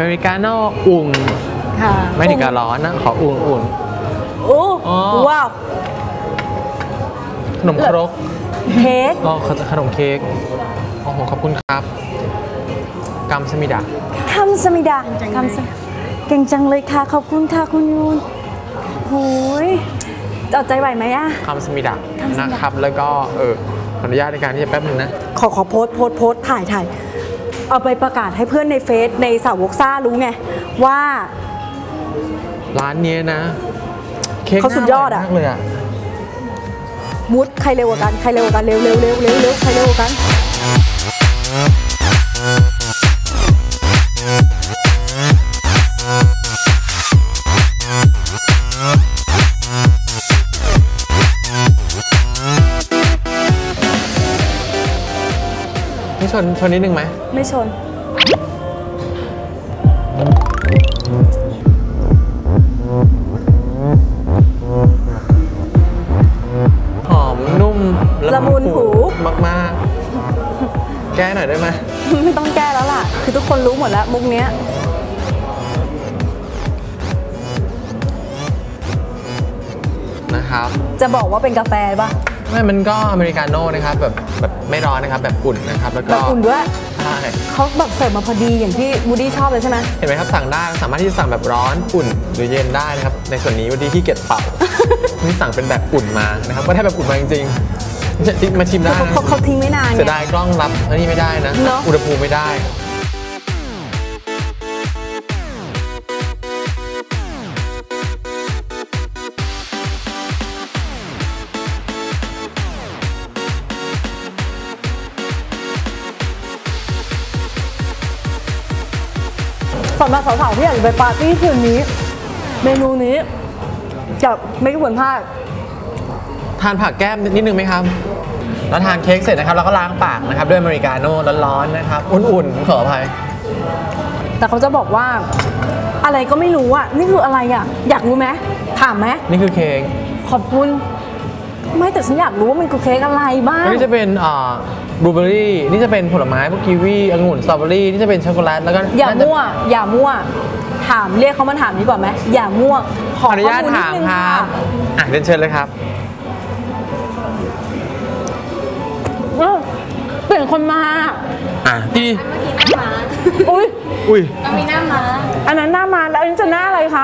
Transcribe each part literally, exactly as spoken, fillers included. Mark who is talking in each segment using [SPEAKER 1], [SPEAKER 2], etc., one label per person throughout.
[SPEAKER 1] เมริกาโน่อุ่น
[SPEAKER 2] ค่ะ
[SPEAKER 1] ไม่ถึงกับร้อนนะขออุ่นอุ่น
[SPEAKER 2] โอ้ว้าว
[SPEAKER 1] ขนมครก
[SPEAKER 2] เค้ก
[SPEAKER 1] อ๋อขนมเค้กโอ้โหขอบคุณครับกัมสมิดา
[SPEAKER 2] กัมสมิดากัมสเก่งจังเลยค่ะขอบคุณค่ะคุณยูนโอ้ยจะใจไหวไหมอะ
[SPEAKER 1] กัมสมิดานะครับแล้วก็เออขออนุญาตในการที่จะแป๊บนึงนะ
[SPEAKER 2] ขอขอโพสโพสโพสถ่ายถ่ายเอาไปประกาศให้เพื่อนในเฟซในสาวกซ่ารู้ไงว่า
[SPEAKER 1] ร้านนี้นะ
[SPEAKER 2] เขาสุดยอดอะ
[SPEAKER 1] เลยอะ
[SPEAKER 2] มุดใครเร็วกว่ากันใครเร็วกว่ากันเร็วเร็วเร็วเร็วเร็วใครเร็วกว่ากัน
[SPEAKER 1] ไม่ชนชนนิดนึงไหม
[SPEAKER 2] ไม่ชน
[SPEAKER 1] หอมนุ่ม
[SPEAKER 2] ละมุนหู
[SPEAKER 1] มากๆแก้หน่อยได้ไหม
[SPEAKER 2] ไม่ต้องแก้แล้วล่ะคือทุกคนรู้หมดแล้วมุกเนี้ย
[SPEAKER 1] นะครับ
[SPEAKER 2] จะบอกว่าเป็นกาแฟป่ะ
[SPEAKER 1] ไม่มันก็อเมริกาโน่นะครับแบบแบบไม่ร้อนนะครับแบบอุ่นนะครับแล้วก็
[SPEAKER 2] แบบอุ่นด้วย
[SPEAKER 1] ใช่
[SPEAKER 2] เขาแบบเสิร์ฟมาพอดีอย่างที่วูดดี้ชอบเลยใช่ไหม
[SPEAKER 1] เห็นไหมครับสั่งได้สามารถที่จะสั่งแบบร้อนอุ่นหรือเย็นได้นะครับในส่วนนี้วูดดี้ที่เก็บเป่านี่สั่งเป็นแบบอุ่นมานะครับก็ได้แบบอุ่นมาจริงๆมาชิมได้นะ
[SPEAKER 2] เขาทิ้งไม่นาน
[SPEAKER 1] เสียดายกล้องรับอันนี้ไม่ได้นะอุณหภูมิไม่ได้
[SPEAKER 2] สำหรับสาวๆที่อยากจะไปปาร์ตี้คืนนี้เมนูนี้จะไม่ควรพลาด
[SPEAKER 1] ทานผักแก้มนิดนึงไหมครับแล้วทานเค้กเสร็จนะครับแล้วก็ล้างปากนะครับด้วยอเมริกาโน่ร้อนๆนะครับอุ่นๆขออภัย
[SPEAKER 2] แต่เขาจะบอกว่าอะไรก็ไม่รู้อ่ะนี่คืออะไรอ่ะอยากรู้ไหมถามไหม
[SPEAKER 1] นี่คือเค้ก
[SPEAKER 2] ขอบคุณไม่แต่ฉันอยากรู้ว่ามันคือเค้กอะไรบ้าง
[SPEAKER 1] นี่จะเป็นอ่าบลูเบอร์รี่นี่จะเป็นผลไม้พวกกีวีองุ่นสตรอเบอรี่นี่จะเป็นช็อกโกแลตแล้วก็
[SPEAKER 2] อย่ามั่วอย่ามั่วถามเรียกเขามาถามดีกว่าไหมอย่ามั่ว
[SPEAKER 1] ขออนุญาตถามครับอ่ะเรียนเชิญเลยครับ
[SPEAKER 2] เปลี่ยนคนมา
[SPEAKER 1] อ่ะพี่
[SPEAKER 2] อุ้ย
[SPEAKER 1] อุ้ย
[SPEAKER 3] มันมีหน้าม้า
[SPEAKER 2] อันนั้นหน้าม้าแล้วอันนี้จะหน้าอะไรคะ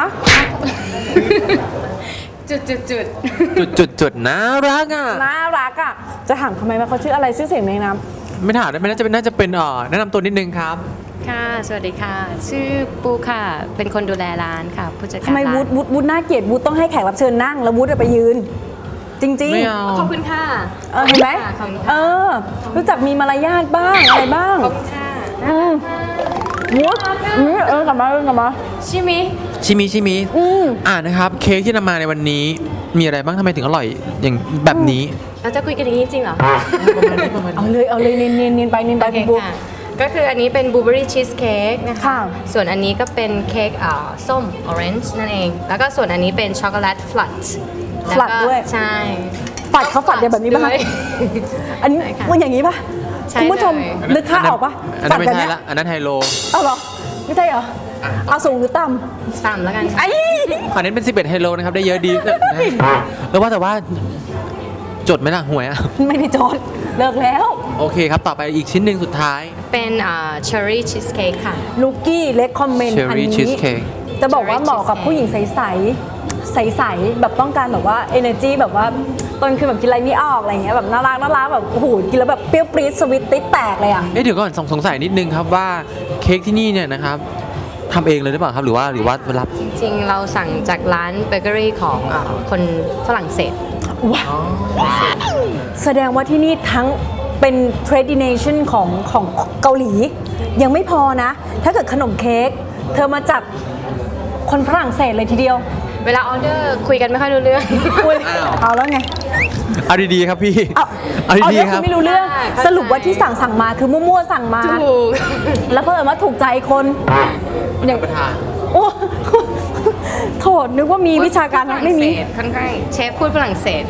[SPEAKER 3] จุดจุดจุด
[SPEAKER 1] จุดจุดจุดน่ารักอ่ะ
[SPEAKER 2] น่ารักอ่ะจะถามทำไมว่าเขาชื่ออะไรชื่อเสียงในน้
[SPEAKER 1] ำไม่ถามได้ไหมน่าจะเป็นน่าจะเป็นอ่อแนะนำตัวนิดนึงครับ
[SPEAKER 3] ค่ะสวัสดีค่ะชื่อปูค่ะเป็นคนดูแลร้านค่ะผู้จัดการ
[SPEAKER 2] ทำไมวุฒิวุฒิวุฒิน่าเกลียดวุฒิต้องให้แขกรับเชิญนั่งแล้ววุฒิไปยืนจริง
[SPEAKER 3] ๆขอบคุณค่ะ
[SPEAKER 2] เออเห็นไหมเออรู้จักมีมารยาทบ้างอะไรบ้าง
[SPEAKER 3] ขอบคุณค่ะ
[SPEAKER 2] อืมวุฒิเออกลับมากลับมา
[SPEAKER 3] ชิมิ
[SPEAKER 1] ชิมิชิมิอ่านะครับเค้กที่นำมาในวันนี้มีอะไรบ้างทำไมถึงอร่อยอย่างแบบนี้
[SPEAKER 3] เราจะคุยกันอย่างนี้จริงเหรอ
[SPEAKER 2] เอาเลยเอาเลยเนียนเนียนเนียนไปเนียนไปคุณบุ๊
[SPEAKER 3] ก็คืออันนี้เป็นบลูเบอรี่ชีสเค้กนะคะส่วนอันนี้ก็เป็นเค้กส้มออเรนจ์นั่นเองแล้วก็ส่วนอันนี้เป็นช็อกโกแลตฟลัต
[SPEAKER 2] ฟลัตด้วย
[SPEAKER 3] ใช่
[SPEAKER 2] ฝัดเขาฝัดแบบนี้ป่ะอันนี้ว่าอย่างนี้ป่ะคุณผู้ชมนึกค่าออกป่ะ
[SPEAKER 1] อันนั้นไม่ใช่ละอันนั้นไฮโล
[SPEAKER 2] เอาเหรอไม่ใช่เหรอเอาสูงหรือต่
[SPEAKER 3] ำต่ำแล้วกัน
[SPEAKER 2] ไอ้
[SPEAKER 1] ขอเน้นเป็นสิบเอ็ดไฮโลนะครับได้เยอะดีแล้วว่าแต่ว่าจดไหมล่ะหวยอ่ะ
[SPEAKER 2] ไม่ได้จดเลิกแล้ว
[SPEAKER 1] โอเคครับต่อไปอีกชิ้นหนึ่งสุดท้าย
[SPEAKER 3] เป็นเชอร์รี่ชีสเค้กค่ะ
[SPEAKER 2] ลูกี้เล็กคอมเมนต์อันนี้จะบอกว่าเหมาะกับผู้หญิงใสๆใสๆแบบต้องการแบบว่า energy แบบว่าตอนคือแบบกินอะไรไม่ออกอะไรเงี้ยแบบน่ารักน่ารักแบบโอ้โหกินแล้วแบบเปรี้ยวปรี๊ดสวิตติดแตกเลยอ่ะ
[SPEAKER 1] เอ๊ะเดี๋ยวก่อนสงสัยนิดนึงครับว่าเค้กที่นี่เนี่ยนะครับทำเองเลยหรือเปล่าครับหรือว่าหรือว่ารับ
[SPEAKER 3] จริงๆเราสั่งจากร้านเบเกอรี่ของคนฝรั่งเศส
[SPEAKER 2] ว้าวแสดงว่าที่นี่ทั้งเป็น tradition ของของเกาหลียังไม่พอนะถ้าเกิดขนมเค้กเธอมาจากคนฝรั่งเศสเลยทีเดียว
[SPEAKER 3] เวลาออเดอร์คุยกันไม่ค่อยรู้เรื่อง
[SPEAKER 2] เอาแล้วไง
[SPEAKER 1] เอาดีๆครับพี่
[SPEAKER 2] เอาดีๆครับไม่รู้เรื่องสรุปว่าที่สั่งสั่งมาคือมั่วๆสั่งมาแล้วเพิ่มว่าถูกใจคน
[SPEAKER 1] อย่างประธาน
[SPEAKER 2] โอ้โทษนึกว่ามีวิชาการไม่มี
[SPEAKER 3] ค่อนข้างเชฟพูดฝรั่งเศส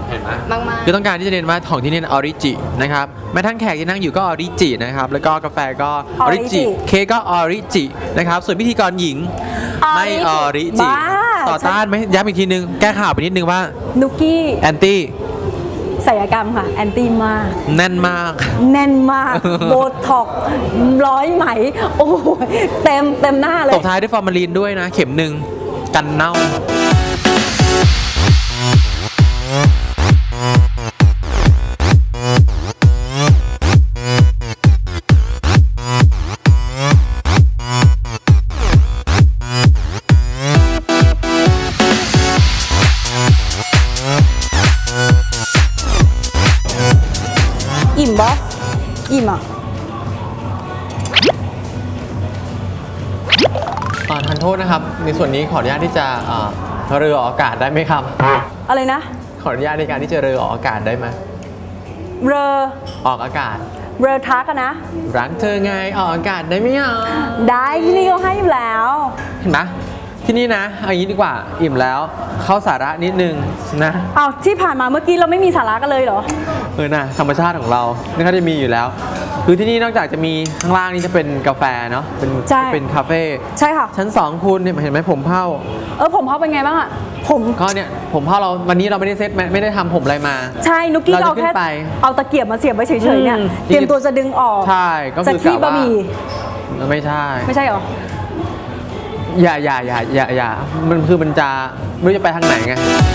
[SPEAKER 1] เห็นไหม
[SPEAKER 3] มากๆ
[SPEAKER 1] คือต้องการที่จะเน้นว่าของที่นี่ออริจินะครับแม้ทั้งแขกที่นั่งอยู่ก็ออริจินะครับแล้วก็กาแฟก็ออริจิ
[SPEAKER 2] Origi
[SPEAKER 1] เค้กก็ออริจินะครับส่วนพิธีกรหญิงไม่ออริจิ
[SPEAKER 2] บ้า
[SPEAKER 1] ต่อต้านไหมย้ำอีกทีนึงแก้ข่าวไปนิดนึงว่า
[SPEAKER 2] นุกกี้
[SPEAKER 1] แอนตี้
[SPEAKER 2] ศัลยกรรมค่ะแอนตี้มาก
[SPEAKER 1] แน่นมาก
[SPEAKER 2] แน่นมาก โบท็อกซ์ร้อยไหม โอ้โหเต็มเต็มหน้าเล
[SPEAKER 1] ต
[SPEAKER 2] ย
[SPEAKER 1] บท้ายด้วยฟอร์มาลีนด้วยนะ เข็มหนึ่งกันเน่า
[SPEAKER 2] อิ่มบออิ่มอ่ะ
[SPEAKER 1] อ่าทานโทษนะครับ ในส่วนนี้ขออนุญาตที่จะอ่าเรือออกอากาศได้ไหมครับ
[SPEAKER 2] อะไรนะ
[SPEAKER 1] ขออนุญาตในการที่จะเรือออกอากาศได้ไหม
[SPEAKER 2] เรอ
[SPEAKER 1] ออกอากาศ
[SPEAKER 2] เรอทักอะนะ
[SPEAKER 1] รักเธอไงออกอากาศได้ไหมอ่ะ
[SPEAKER 2] ได้ที่นี่ก็ให้อยู่แล้ว
[SPEAKER 1] เห็นไหมที่นี่นะเอาอย่างนี้ดีกว่าอิ่มแล้วเข้าสาระนิดนึงนะ
[SPEAKER 2] เอาที่ผ่านมาเมื่อกี้เราไม่มีสาระกันเลยเหรอ
[SPEAKER 1] เออนะธรรมชาติของเรานี่เขาจะมีอยู่แล้ว คือที่นี่นอกจากจะมีข้างล่างนี่จะเป็นกาแฟเนาะเป็น
[SPEAKER 2] ใช่
[SPEAKER 1] เป็นคาเฟ่
[SPEAKER 2] ใช่ค่ะ
[SPEAKER 1] ชั้นสองคุณเนี่ยเห็นไหมผมเผ้า
[SPEAKER 2] เออผมเขาเป็นไงบ้างอะผม
[SPEAKER 1] ก็เนี่ยผมเผ้าเราวันนี้เราไม่ได้เซ็ตไม่ได้ทำผมอะไรมา
[SPEAKER 2] ใช่นุกกี้
[SPEAKER 1] เราจะ
[SPEAKER 2] เอาแค่
[SPEAKER 1] ขึ้นไป
[SPEAKER 2] เอาตะเกียบมาเสียบไว้เฉยๆเนี่ย
[SPEAKER 1] อืม
[SPEAKER 2] เตรียมตัวจะดึงออก
[SPEAKER 1] ใช่ก็
[SPEAKER 2] จะ
[SPEAKER 1] คือ
[SPEAKER 2] ขี้
[SPEAKER 1] กะ
[SPEAKER 2] บะ
[SPEAKER 1] ว่า
[SPEAKER 2] หมี่
[SPEAKER 1] ไม่ใช่
[SPEAKER 2] ไม่ใช่เหรอ
[SPEAKER 1] อย่าอย่าอย่าอย่าอย่ามันคือมันจะไม่รู้จะไปทางไหนไง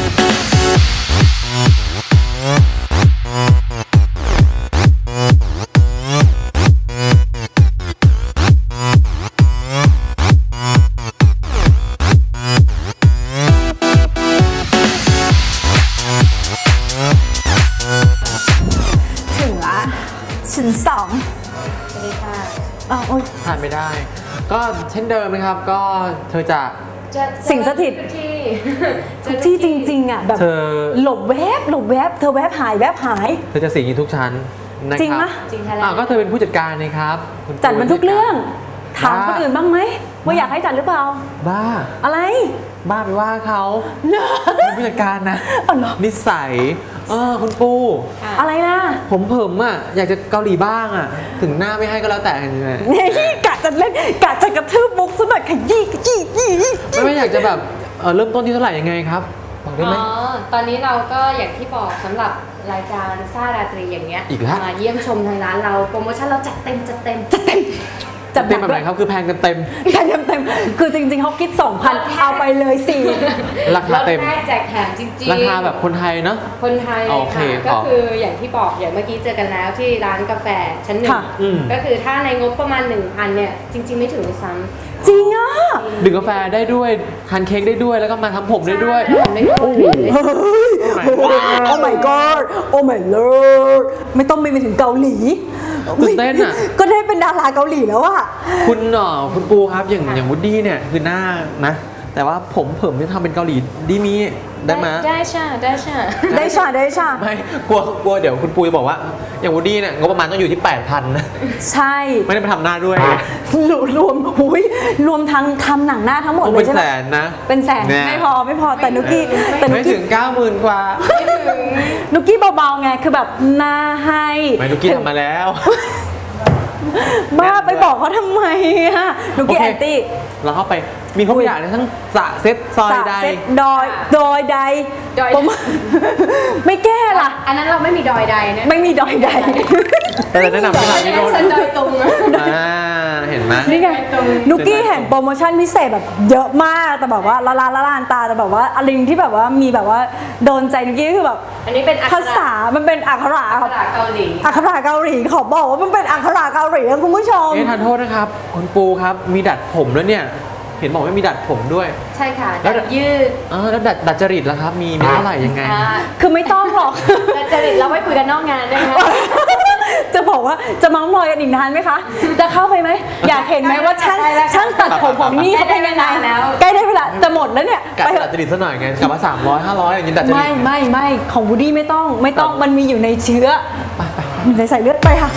[SPEAKER 2] ถึงละชั้นสองสวัสดีค่ะอ้าวโอ๊ย
[SPEAKER 1] ทานไม่ได้ ก็เช่นเดิมนะครับก็เธอจะ
[SPEAKER 2] สิ่งสถิต
[SPEAKER 3] ที่
[SPEAKER 2] ทุกที่จริงๆอ่ะแบบ
[SPEAKER 1] เธอ
[SPEAKER 2] หลบแวบหลบแวบเธอแวบหายแวบหาย
[SPEAKER 1] เธอจะสิงอยู่ทุกชั้นนะ
[SPEAKER 2] จริง
[SPEAKER 1] ค
[SPEAKER 2] ไหม
[SPEAKER 1] รับ
[SPEAKER 3] จริงค่ะ
[SPEAKER 1] อ่าก็เธอเป็นผู้จัดการนะครับคุณ
[SPEAKER 2] จัดมันทุกเรื่อง ถาม
[SPEAKER 1] บ้า
[SPEAKER 2] คนอื่นบ้างไหมว่าอยากให้จัดหรือเปล่า
[SPEAKER 1] บ้า
[SPEAKER 2] อะไร
[SPEAKER 1] บ้าไปว่าเขา
[SPEAKER 2] เนอะ
[SPEAKER 1] เป็นผู้จัดการนะ
[SPEAKER 2] อ๋อเหรอ
[SPEAKER 1] นิสัยเออคุณปู
[SPEAKER 2] อะไรนะ
[SPEAKER 1] ผมเผิมอ่ะอยากจะเกาหลีบ้างอ่ะ ถึงหน้าไม่ให้ก็แล้วแต่ยังไง
[SPEAKER 2] นี่กะจะเล่นกะจะกระทืบมุกซะหน่อยขยี้ขยี้ขยี้
[SPEAKER 1] ไม่ไม่อยากจะแบบเออเริ่มต้นที่เท่าไหร่ยังไงครับบอกได้ไหม
[SPEAKER 3] อ๋อ ตอนนี้เราก็อย่างที่บอกสำหรับรายการซ่าราตรีอย่างเงี้ย
[SPEAKER 1] อีกแล้ว
[SPEAKER 3] มาเยี่ยมชมทางร้านเราโปรโมชั่นเราจัดเต็มจัดเต็มจัดเต็ม
[SPEAKER 2] จัด
[SPEAKER 1] เต็มแบบไหนครับคือแพงกันเต็ม
[SPEAKER 2] แพงเต็มๆคือจริงๆเขาคิดสองพันเอาไปเลยสี่
[SPEAKER 1] ราคาเต็ม
[SPEAKER 3] รถแรกแจกแถมจริงๆ
[SPEAKER 1] ราคาแบบคนไทยเนาะ
[SPEAKER 3] คนไทย
[SPEAKER 1] โอเค
[SPEAKER 3] ค่ะ
[SPEAKER 1] ข
[SPEAKER 3] ก็
[SPEAKER 1] อ
[SPEAKER 3] คืออย่างที่บอกอย่างเมื่อกี้เจอกันแล้วที่ร้านกาแฟชั้นหนึ่ง
[SPEAKER 2] ค่ะ
[SPEAKER 1] อืม
[SPEAKER 3] ก็คือถ้าในงบประมาณ หนึ่งพัน เนี่ย จริง ๆ ไม่ถึงด้วยซ้ำ
[SPEAKER 2] จริงอ่ะ
[SPEAKER 1] ดื่มกาแฟได้ด้วยทานเค้กได้ด้วยแล้วก็มาทำผมได้ด้วย
[SPEAKER 3] ทำได้ด้วย
[SPEAKER 2] โอ้ my god โอ้ my lord ไม่ต้องไปถึงเกาหลี
[SPEAKER 1] ตื่นเต้นอะ
[SPEAKER 2] ก็ได้เป็นดาราเกาหลีแล้วอะ
[SPEAKER 1] คุณเอ่อคุณปูครับอย่างอย่างวูดดี้เนี่ยคือหน้านะ แต่ว่าผมเผิมที่ทำเป็นเกาหลีดีมีได้ไหม
[SPEAKER 3] ได้ใช่ได้ใช่
[SPEAKER 2] ได้ชาได้ชา
[SPEAKER 1] ไม่กลัวกลัวเดี๋ยวคุณปูจะบอกว่า อย่างวูดดี้เนี่ยงบประมาณต้องอยู่ที่ แปดพัน นะ
[SPEAKER 2] ใช่
[SPEAKER 1] ไม่ได้ไปทำหน้าด้วย
[SPEAKER 2] รวมรวมหุยรวมทั้งทำหนังหน้าทั้งหมด
[SPEAKER 1] คง
[SPEAKER 2] เล
[SPEAKER 1] เป็
[SPEAKER 2] ย
[SPEAKER 1] น
[SPEAKER 2] ใช่
[SPEAKER 1] แส
[SPEAKER 2] ไหม
[SPEAKER 1] นนะ
[SPEAKER 2] เป็นแสน
[SPEAKER 1] แน่
[SPEAKER 2] ไม่พอไม่พอแต่นุกกี้แต่นุ
[SPEAKER 1] ไม่
[SPEAKER 2] กกี้
[SPEAKER 1] ถึง เก้าหมื่น กว่า
[SPEAKER 2] นุกกี้เบาๆไงคือแบบหน้าให้
[SPEAKER 1] ไม่นุกกี้ทำมาแล้ว
[SPEAKER 2] บ้าไปบอกเขาทำไมอะนุกกี้
[SPEAKER 1] โอ
[SPEAKER 2] แอ
[SPEAKER 1] เค
[SPEAKER 2] นตี้
[SPEAKER 1] เราเข้าไปมีครบอย่างเลยทั้งสระเซ็ตซอยใด
[SPEAKER 2] เซ็ตดอยดอยใด
[SPEAKER 3] ดอย
[SPEAKER 2] ผมไม่แก้ล่ะ
[SPEAKER 3] อันนั้นเราไม่มีดอยใดนะ
[SPEAKER 2] ไม่มีดอยใด
[SPEAKER 1] แต่แนะนำให้ร้านนี้โดน
[SPEAKER 3] ฉันดอยตุง
[SPEAKER 1] อ่าเห็นไหม
[SPEAKER 2] นี่ไงนุกกี้เห็นโปรโมชั่นพิเศษแบบเยอะมากแต่แบบว่าละลานละลานตาแต่แบบว่าอะไรที่แบบว่ามีแบบว่าโดนใจนุกกี้คือแบบ
[SPEAKER 3] อันนี้เป็นอักข
[SPEAKER 2] ภา
[SPEAKER 3] ระ
[SPEAKER 2] ษามันเป็นอักขระ
[SPEAKER 3] อัก
[SPEAKER 2] ค
[SPEAKER 3] ข
[SPEAKER 2] รับ
[SPEAKER 3] ระเกาหลี
[SPEAKER 2] อักขระเกาหลีขอบอกว่ามันเป็นอักขระเกาหลีนะคุณผู้ชม
[SPEAKER 1] เอ๊ะทานโทษนะครับคุณปูครับมีดัดผมแล้วเนี่ย เห็นบอกว่ามีดัดผมด้วย
[SPEAKER 3] ใช่ค่ะ
[SPEAKER 1] แล้ว
[SPEAKER 3] ดัดยืด
[SPEAKER 1] อ่าแล้วดัดดัดจริตล่ะครับ มีมีเท่าไหร่ยังไง
[SPEAKER 3] อ่า
[SPEAKER 2] คือไม่ต้องหรอก
[SPEAKER 3] ดัดจริตเราไว้คุยกันนอกงานได้ไหม
[SPEAKER 2] จะบอกว่าจะเมาส์มอยกันอีกนานไหมคะ จะเข้าไปไหม อยากเห็นไหมว่าช่าง
[SPEAKER 3] ได้แล้วค่ะ
[SPEAKER 2] ช่างตัดผมของนี่เขาเป็นยังไง
[SPEAKER 3] ได้แล้ว
[SPEAKER 2] ใกล้ได้เวลาจะหมดแล้วเนี่ย
[SPEAKER 1] กัด
[SPEAKER 2] ไปเถ
[SPEAKER 1] ดั
[SPEAKER 2] อะ
[SPEAKER 1] ดจริตซะหน่อยไงกลับมาสามร้อยห้าร้อยอย่างนี้ดัดจริ
[SPEAKER 2] ไม่
[SPEAKER 1] ต
[SPEAKER 2] ไม่ไม่ของวูดดี้ไม่ต้องไม่ต้อง
[SPEAKER 1] ครับ
[SPEAKER 2] มันมีอยู่ในเชื้อ
[SPEAKER 1] ไปไป
[SPEAKER 2] อยู่ในสายเลือดไปค่ะ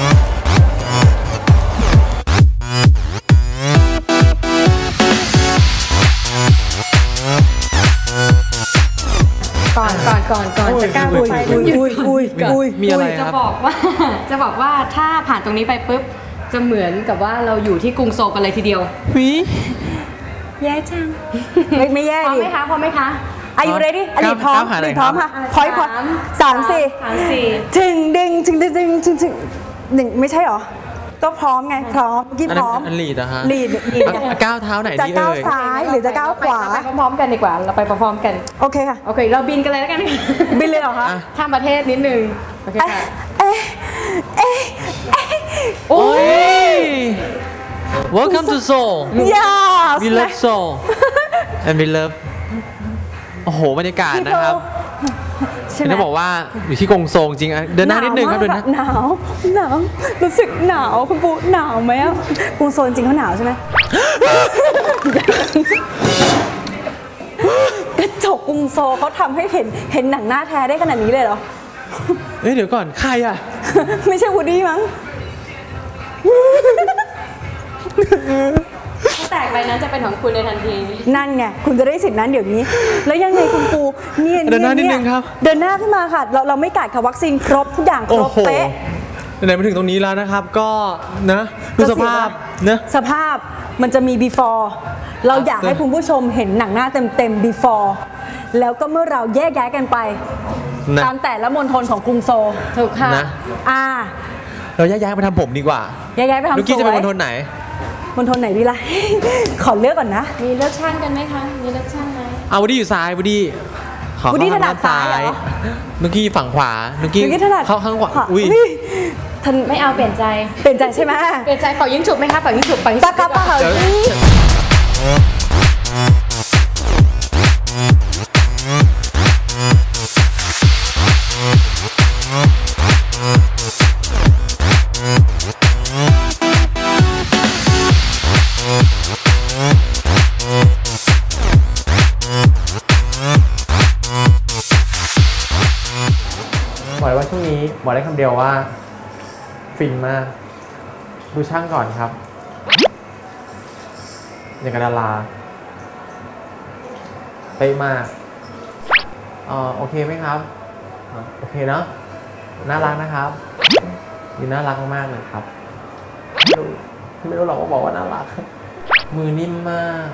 [SPEAKER 2] ก่อน
[SPEAKER 3] ก่อนก่อนก่อนจะก้าวไป
[SPEAKER 2] อุ้ยอุ้ยอุ้ยอุ้ย
[SPEAKER 1] มีอะไรค
[SPEAKER 3] จะ
[SPEAKER 1] รับ
[SPEAKER 3] บอกว่าจะบอกว่าถ้าผ่านตรงนี้ไปปุ๊บจะเหมือนกับว่าเราอยู่ที่กรุงโซลกันเลยทีเดียว
[SPEAKER 1] วิ
[SPEAKER 2] แย่จังไม่ไม่แย่
[SPEAKER 3] พร้อม
[SPEAKER 2] ดิ
[SPEAKER 3] ไหมคะพร้อมไหมคะ
[SPEAKER 2] Are you ready อลีพร้อม
[SPEAKER 1] ก้าวหา
[SPEAKER 2] อ
[SPEAKER 1] อะไร
[SPEAKER 2] ลีพร้อม
[SPEAKER 1] ครั
[SPEAKER 2] ค่ะ
[SPEAKER 1] บ
[SPEAKER 2] พอยพอยสามสี่
[SPEAKER 3] สามสี่
[SPEAKER 2] ถึงดึงถึงดึงถึงถึงถึงหนึ่งไม่ใช่หรอก็พร้อมไงพร้อมกี่พร้อม
[SPEAKER 1] อันลีดนะฮะ
[SPEAKER 2] ลีดลีด
[SPEAKER 1] อ่ะก้าวเท้าไหน
[SPEAKER 2] จะ
[SPEAKER 1] ดี
[SPEAKER 2] ก้าว
[SPEAKER 1] เอ่ย
[SPEAKER 2] ซ้ายหรือจะก้าวขวา
[SPEAKER 3] ไปพร้อมๆกันดีกว่าเราไปพร้อมๆกัน
[SPEAKER 2] โอเคค่ะ
[SPEAKER 3] โอเคเราบินกันเลยแล้วกัน
[SPEAKER 2] บินเลยเหรอคะ
[SPEAKER 1] อ่ะ
[SPEAKER 3] ข้ามประเทศนิดนึงโอเค
[SPEAKER 2] เอ๊ะ
[SPEAKER 3] ค่ะ
[SPEAKER 2] เอ๊ะเอ๊ะเอ๊ะ
[SPEAKER 3] โอ้
[SPEAKER 1] โอ้
[SPEAKER 3] ย
[SPEAKER 1] ย Welcome to Seoul
[SPEAKER 2] yes
[SPEAKER 1] We love Seoul and we love โอ้โหบรรยากาศนะครับ
[SPEAKER 2] ใช่ไหม
[SPEAKER 1] จะบอกว่าอยู่ที่กงโซงจริงอะเดินหน้านิดนึงครับเดินหน้า
[SPEAKER 2] หนาวหนาวรู้สึกหนาวคุณปูหนาวไหมอะกรุงโซนจริงเขาหนาวใช่ไหม กระจกกรุงโซลเขาทำให้เห็นเห็นหนังหน้าแท้ได้ขนาดนี้เลยเหรอ
[SPEAKER 1] เอ้ยเดี๋ยวก่อนใครอะ
[SPEAKER 2] ไม่ใช่วูดดี้มั้ง
[SPEAKER 3] ถ้าแตกไปนั้นจะเป็นของคุณในทันที
[SPEAKER 2] นั่นไงคุณจะได้สิทธินั้นเดี๋ยวนี้ แล้วยังไงคุณปูเนี่ย
[SPEAKER 1] เดินหน้านิดนึงครับ
[SPEAKER 2] เดินหน้าขึ้นมาค่ะ เราเราไม่กัดค่ะวัคซีนครบทุกอย่างค
[SPEAKER 1] โอ้
[SPEAKER 2] รบ
[SPEAKER 1] โห
[SPEAKER 2] เป๊ะ
[SPEAKER 1] ไหนๆมาถึงตรงนี้แล้วนะครับ ก็นะดูสภาพนะ
[SPEAKER 2] สภาพมันจะมี before เราอยากให้คุณผู้ชมเห็นหนังหน้าเต็มๆ before แล้วก็เมื่อเราแยกย้ายกันไป
[SPEAKER 1] นะ
[SPEAKER 2] ตามแต่ละมณฑลของกรุงโซล
[SPEAKER 3] ถูกค่ะ
[SPEAKER 1] นะ
[SPEAKER 2] อ่า
[SPEAKER 1] เราแยกย้ายไปทำผมดีกว่า
[SPEAKER 2] แยกย้ายไปทำ
[SPEAKER 1] ลูกกี้
[SPEAKER 2] ส
[SPEAKER 1] จะ
[SPEAKER 2] ว
[SPEAKER 1] เป็น
[SPEAKER 2] ย
[SPEAKER 1] มณฑลไหน
[SPEAKER 2] มณฑลไหนดีล่ะ ขอเลือกก่อนนะ
[SPEAKER 3] มีเลือกช่างกันไหมคะ มีเลือกช่างไหม
[SPEAKER 1] เอาวูดดี้อยู่ซ้ายวูดดี้ขอ
[SPEAKER 2] วูดดี้
[SPEAKER 1] เข้
[SPEAKER 2] ถนัดซ้ายเหรอ
[SPEAKER 1] นุกกี้ฝั่งขวานุกกี้
[SPEAKER 2] เมื่อกี้ถนัด
[SPEAKER 1] เข้าข้างขวา
[SPEAKER 2] ขวา
[SPEAKER 1] อุ้ย
[SPEAKER 2] ท่าน
[SPEAKER 3] ไม่เอาเปลี่ยนใจ
[SPEAKER 2] เปลี่ยนใจใช่ไหม
[SPEAKER 3] เปลี่ยนใจเป่ายิงฉุบไหมคะเป่ายิงฉุบเป่ายิง
[SPEAKER 2] ปา
[SPEAKER 3] ฉุบ
[SPEAKER 2] กาปา
[SPEAKER 1] เดี๋ยว บอกเลยว่าช่วงนี้บอกได้คำเดียวว่า ฟินมาก ดูช่างก่อนครับ อย่างกับดาราเป๊ะมากเอ่อโอเคไหมครับอ่ะโอเคเนาะน่ารักนะครับดูน่ารักมากๆเลยครับไม่รู้ไม่รู้หรอกว่าบอกว่าน่ารัก มือนิ่มมาก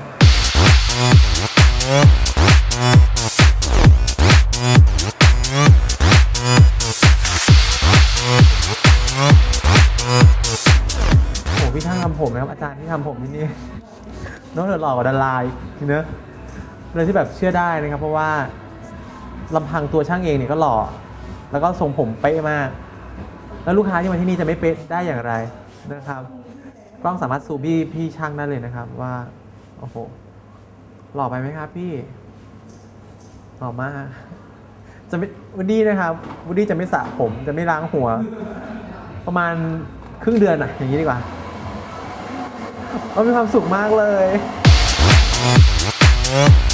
[SPEAKER 1] โอ้พี่ช่างทำผมนะครับอาจารย์ที่ทำผมที่นี่น้องเดือดหล่อกว่าดาราอีกเนอะเลยที่แบบเชื่อได้นะครับ เพราะว่าลำพังตัวช่างเองเนี่ยก็หล่อแล้วก็ทรงผมเป๊ะมาก แล้วลูกค้าที่มาที่นี่จะไม่เป๊ะได้อย่างไรนะครับกล้องสามารถซูมพี่พี่ช่างได้เลยนะครับว่าโอ้โหหล่อไปไหมครับพี่หล่อมากจะไม่วูดดี้นะครับวูดดี้จะไม่สระผมจะไม่ล้างหัว ประมาณครึ่งเดือนอะอย่างนี้ดีกว่าเรามีความสุขมากเลย